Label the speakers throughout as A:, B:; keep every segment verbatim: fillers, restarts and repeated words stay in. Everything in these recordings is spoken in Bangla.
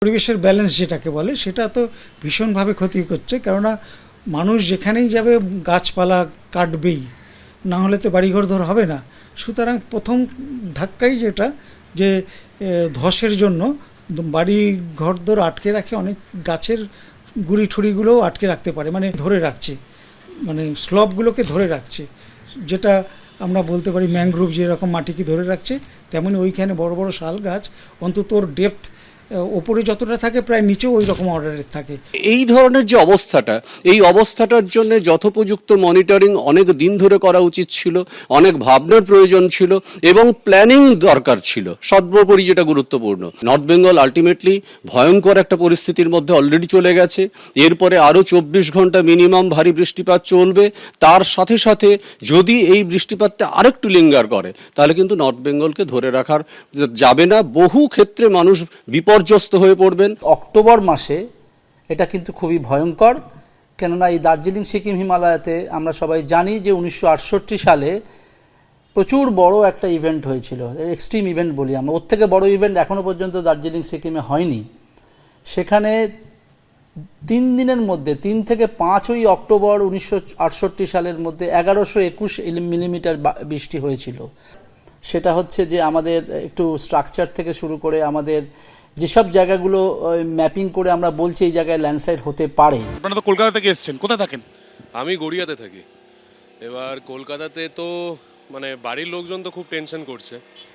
A: পরিবেশের ব্যালেন্স যেটাকে বলে সেটা তো ভীষণভাবে ক্ষতি করছে, কেননা মানুষ যেখানেই যাবে গাছপালা কাটবেই, না হলে তো বাড়িঘর ধর হবে না। সুতরাং প্রথম ধাক্কাই যেটা যে ধসের জন্য বাড়ি ঘর দর আটকে রাখে, অনেক গাছের গুড়ি ঠুড়িগুলোও আটকে রাখতে পারে, মানে ধরে রাখছে, মানে স্লবগুলোকে ধরে রাখছে। যেটা আমরা বলতে পারি ম্যানগ্রোভ যেরকম মাটিকে ধরে রাখছে, তেমনি ওইখানে বড় বড় শাল গাছ অন্তত ওর ডেপথ ওপরে যতটা থাকে প্রায় নিচেও ওই রকম অর্ডারের থাকে।
B: এই ধরনের যে অবস্থাটা, এই অবস্থাটার জন্য যথোপযুক্ত মনিটরিং অনেক দিন ধরে করা উচিত ছিল, অনেক ভাবনার প্রয়োজন ছিল এবং প্ল্যানিং দরকার ছিল, সর্বোপরি যেটা গুরুত্বপূর্ণ। নর্থ বেঙ্গল আলটিমেটলি ভয়ঙ্কর একটা পরিস্থিতির মধ্যে অলরেডি চলে গেছে। এরপরে আরও চব্বিশ ঘন্টা মিনিমাম ভারী বৃষ্টিপাত চলবে। তার সাথে সাথে যদি এই বৃষ্টিপাতটা আরেকটু লিঙ্গার করে তাহলে কিন্তু নর্থ বেঙ্গলকে ধরে রাখার যাবে না। বহু ক্ষেত্রে মানুষ বিপর্যস্ত হয়ে পড়বেন।
C: অক্টোবর মাসে এটা কিন্তু খুবই ভয়ঙ্কর, কেননা এই দার্জিলিং সিকিম হিমালয়াতে আমরা সবাই জানি যে উনিশশো আটষট্টি সালে প্রচুর বড় একটা ইভেন্ট হয়েছিল, এক্সট্রিম ইভেন্ট বলি আমরা। ওর থেকে বড় ইভেন্ট এখনও পর্যন্ত দার্জিলিং সিকিমে হয়নি। সেখানে তিন দিনের মধ্যে তিন থেকে পাঁচই অক্টোবর উনিশশো আটষট্টি সালের মধ্যে এগারোশো একুশ মিলিমিটার বৃষ্টি হয়েছিল। সেটা হচ্ছে যে আমাদের একটু স্ট্রাকচার থেকে শুরু করে আমাদের যেসব জায়গাগুলো ম্যাপিং করে আমরা বলছি এই জায়গায় ল্যান্ডস্লাইড হতে পারে।
D: আপনারা তো কলকাতা থেকে এসেছেন, কোথায় থাকেন?
E: আমি গড়িয়াতে থাকি। এবার কলকাতাতে তো মানে বাড়ির লোকজন তো খুব টেনশন করছে।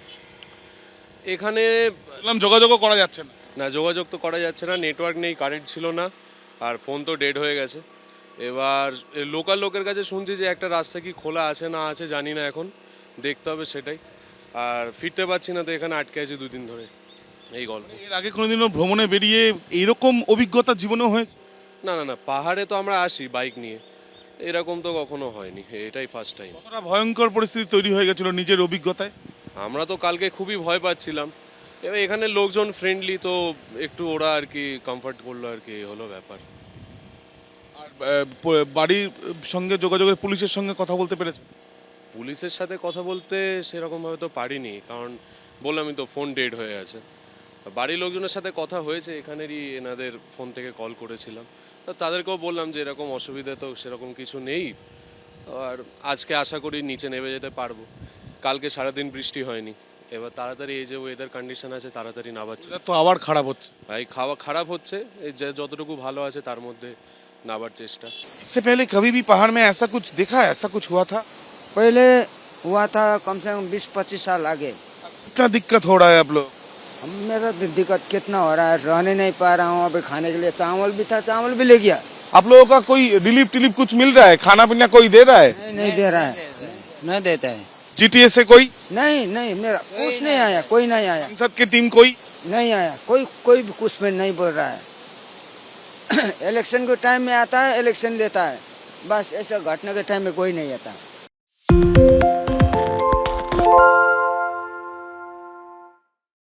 E: এখানে
D: বললাম যোগাযোগও করা যাচ্ছে না।
E: না, যোগাযোগ তো করা যাচ্ছে না, নেটওয়ার্ক নেই, কারেন্ট ছিল না, আর ফোন তো ডেড হয়ে গেছে। এবার লোকাল লোকের কাছে শুনছি যে একটা রাস্তা কি খোলা আছে না আছে জানি না, এখন দেখতে হবে সেটাই। আর ফিরতে পারছি না, তো এখানে আটকে আছি দুদিন ধরে, এই গল্প।
D: এর আগে কোনোদিনও ভ্রমণে বেরিয়ে এইরকম অভিজ্ঞতা জীবনেও হয়েছে?
E: না না না, পাহাড়ে তো আমরা আসি বাইক নিয়ে, এরকম তো কখনো হয়নি, এটাই ফার্স্ট টাইম।
D: কতটা ভয়ঙ্কর পরিস্থিতি তৈরি হয়ে গেছিল নিজের অভিজ্ঞতায়?
E: আমরা তো কালকে খুবই ভয় পাচ্ছিলাম। এবার এখানে লোকজন ফ্রেন্ডলি, তো একটু ওরা আর কি কমফর্ট করলো, আর কি হলো ব্যাপার।
D: আর বাড়ির সঙ্গে যোগাযোগের পুলিশের সঙ্গে কথা বলতে পেরেছে?
E: পুলিশের সাথে কথা বলতে সেরকমভাবে তো পারিনি, কারণ বললামই তো ফোন ডেড হয়ে আছে। বাড়ির লোকজনের সাথে কথা হয়েছে, এখানেরই এনাদের ফোন থেকে কল করেছিলাম, তো তাদেরকেও বললাম যে এরকম অসুবিধা তো সেরকম কিছু নেই, আর আজকে আশা করি নিচে নেমে যেতে পারবো। কালকে সারাদিন বৃষ্টি হয়নি, এবার তাড়াতাড়ি এই যে ওয়েদার কন্ডিশন আছে তাড়াতাড়ি নামার চেষ্টা।
D: তো আবার খারাপ হচ্ছে
E: ভাই, খাওয়া খারাপ হচ্ছে, এই যে যতটুকু ভালো আছে তার মধ্যে নামার চেষ্টা।
D: इससे पहले कभी भी पहाड़ में ऐसा कुछ देखा है, ऐसा कुछ हुआ था?
F: पहले हुआ था कम से कम बीस पच्चीस साल आगे।
D: कितना दिक्कत हो रहा है आप लोग?
F: अब मेरा दि- दिक्कत कितना हो रहा है, रहने नहीं पा रहा हूँ। अभी खाने के लिए चावल भी था, चावल भी ले गया।
D: आप लोगों का कोई रिलीफ टिलीफ कुछ मिल रहा है? खाना पीना कोई दे रहा है?
F: नहीं नहीं दे रहा है, नहीं देता है।
D: जीटीए से कोई
F: नहीं नहीं मेरा कुछ नहीं आया, कोई नहीं आया,
D: संसद की टीम कोई?
F: नहीं आया कोई, कोई भी कुछ में नहीं बोल रहा है। इलेक्शन के टाइम में आता है, इलेक्शन लेता है, बस ऐसा घटना के टाइम में कोई नहीं आता।